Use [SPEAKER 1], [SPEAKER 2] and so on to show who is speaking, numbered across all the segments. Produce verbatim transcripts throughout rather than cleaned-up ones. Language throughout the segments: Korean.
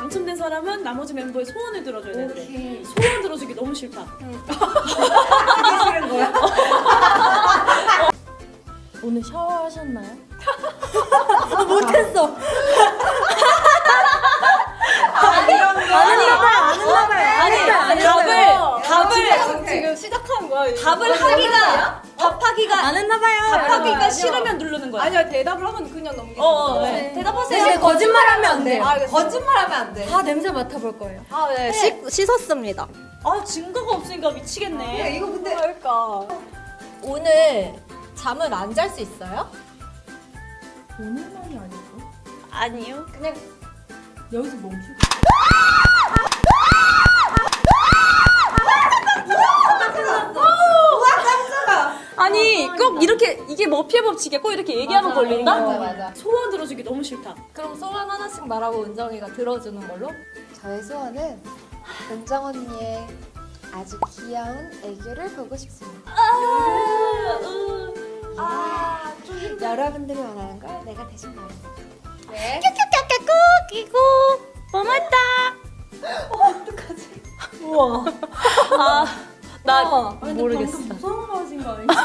[SPEAKER 1] 당첨된 사람은 나머지 멤버의 소원을 들어줘야 되는데
[SPEAKER 2] 오케이.
[SPEAKER 1] 소원 들어주기 너무 싫다.
[SPEAKER 2] 하기 싫은 거야?
[SPEAKER 1] 오늘 샤워하셨나요?
[SPEAKER 2] 못했어. 아, 이런 거.
[SPEAKER 1] 아니,
[SPEAKER 2] 아니,
[SPEAKER 1] 아니, 답을 답을
[SPEAKER 2] 지금 시작한 거야.
[SPEAKER 1] 답을 하기가 답하기가
[SPEAKER 2] 안 했나봐요.
[SPEAKER 1] 답하기가 싫으면 누르는 거야.
[SPEAKER 2] 아니요, 대답을 하면 그냥 넘기는
[SPEAKER 1] 어, 어,
[SPEAKER 2] 거예요.
[SPEAKER 1] 네. 대답하세요.
[SPEAKER 2] 대신 거짓말하면 안 돼요.
[SPEAKER 3] 아,
[SPEAKER 2] 거짓말하면 안 돼.
[SPEAKER 3] 다 냄새 맡아볼 거예요.
[SPEAKER 2] 아, 네. 씻, 씻었습니다.
[SPEAKER 1] 아 증거가 없으니까 미치겠네.
[SPEAKER 2] 이거 근데
[SPEAKER 3] 그러니까.
[SPEAKER 2] 오늘 잠을 안 잘 수 있어요?
[SPEAKER 3] 오늘만이 아니고
[SPEAKER 1] 아니요.
[SPEAKER 2] 그냥
[SPEAKER 3] 여기서 멈추고.
[SPEAKER 1] 아니 꼭 이렇게 이게 머피의 법칙이야. 꼭 이렇게 얘기하면
[SPEAKER 2] 맞아,
[SPEAKER 1] 걸린다.
[SPEAKER 2] 맞아, 맞아.
[SPEAKER 1] 소원 들어주기 너무 싫다.
[SPEAKER 2] 그럼 소원 하나씩 말하고 은정이가 들어주는 걸로?
[SPEAKER 4] 저의 소원은 은정 언니의 아주 귀여운 애교를 보고 싶습니다.
[SPEAKER 1] 아,
[SPEAKER 4] 여러분들이 원하는 걸 내가 대신 말합니다.
[SPEAKER 2] 네.
[SPEAKER 1] 이거 고맙다.
[SPEAKER 2] 우와.
[SPEAKER 1] 아, 나
[SPEAKER 2] 우와.
[SPEAKER 1] 모르겠어.
[SPEAKER 3] 무서운 거 하신 거 아니죠?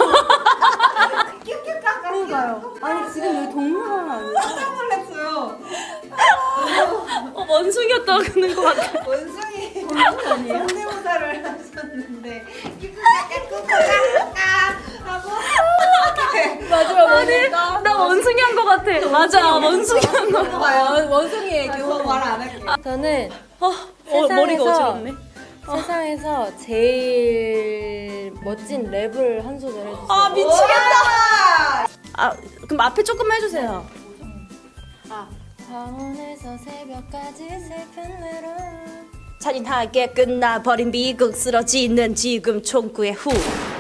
[SPEAKER 3] 그러니까요. 아니 지금 여기 동물원 아니에요?
[SPEAKER 2] 깜짝 놀랐어요.
[SPEAKER 1] 어, 원숭이였다 그러는 것 같아.
[SPEAKER 2] 원숭이
[SPEAKER 3] 아니에요?
[SPEAKER 2] 성대모사를 하셨는데 꾸꾸까꾸꾸까꾸까 하고 마지막
[SPEAKER 1] 아니, 나 원숭이 한 것 같아. 맞아, 원숭이 한 거.
[SPEAKER 2] 봐요. 원숭이의 교훈 말안 할게요.
[SPEAKER 3] 저는
[SPEAKER 1] 어, 어, 머리가
[SPEAKER 3] 세상에서-
[SPEAKER 1] 어지럽네.
[SPEAKER 3] 세상에서 제일 멋진 랩을 한 소절 해주세요.
[SPEAKER 1] 아, 미치겠다. 아, 그럼 앞에 조금만 해주세요.
[SPEAKER 3] 밤원에서 새벽까지 슬픈 외로움.
[SPEAKER 1] 잔인하게 끝나버린 미국 쓰러지는 지금 총구의 후.